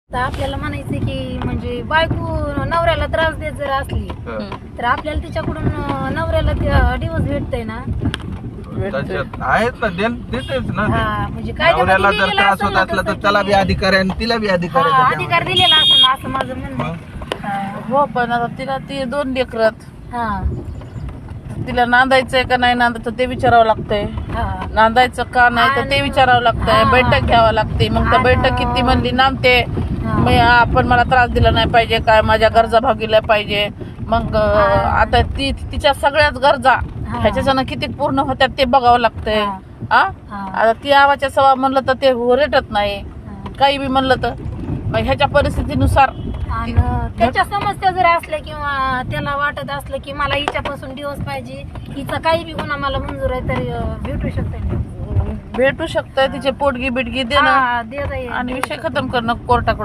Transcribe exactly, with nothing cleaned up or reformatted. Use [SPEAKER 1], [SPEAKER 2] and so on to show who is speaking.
[SPEAKER 1] तर आपल्याला म्हणायचं की म्हणजे बायको नवऱ्याला त्रास देत जर असली तर आपल्याला तिच्याकडून अं, नवऱ्याला डिवोर्स भेटतंय ना.
[SPEAKER 2] त्याच्यात आहेत ना देन देतेच ना ते.
[SPEAKER 1] हा म्हणजे काय
[SPEAKER 2] नवऱ्याला जर त्रास होत असला तर त्याला बी अधिकार आहे आणि तिला बी अधिकार आहे
[SPEAKER 1] अधिकार
[SPEAKER 2] त्याच्यामध्ये.
[SPEAKER 1] दिलेला असं ना असं माझं म्हणणं आहे.
[SPEAKER 2] मग
[SPEAKER 1] हा.
[SPEAKER 3] हो पण आता तिला ती दोन लेकरात
[SPEAKER 1] हा
[SPEAKER 3] तिला नांदायचंय का नाही नांदायचं ते विचारावं लागतंय.
[SPEAKER 1] हा
[SPEAKER 3] नांदायचं का नाही तर ते विचारावं लागतंय.
[SPEAKER 1] हा.
[SPEAKER 3] बैठक घ्यावं लागते. मग त्या
[SPEAKER 1] आणि-
[SPEAKER 3] बैठकीत ती म्हणली नांदते
[SPEAKER 1] हा.
[SPEAKER 3] मी आपण मला त्रास दिला नाही पाहिजे काय माझ्या गरजा भागील्या पाहिजे. मग अं, आता ती तिच्या सगळ्याच गरजा
[SPEAKER 1] हा.
[SPEAKER 3] ह्याच्यानं किती पूर्ण होत्यात ते बघावं लागतंय.
[SPEAKER 1] हा.
[SPEAKER 3] आ
[SPEAKER 1] हा.
[SPEAKER 3] आता ती आवाच्या सवा म्हणलं तर ते रेटत नाही.
[SPEAKER 1] हा.
[SPEAKER 3] काही बी म्हणलं तर मग ह्याच्या परिस्थितीनुसार
[SPEAKER 1] आणि त्याच्या समस्या जर असल्या किंवा त्याला वाटत असलं की मला हिच्यापासून दिवस पाहिजे हिचा काही बी गुन्हा मला मंजूर आहे तरी अं, भेटू शकते.
[SPEAKER 3] भेटू शकतंय. तिचे पोटगी बिटगी देणं
[SPEAKER 1] हा, दे जाईल.
[SPEAKER 3] आणि विषय खतम करणं कोर्टाकडून.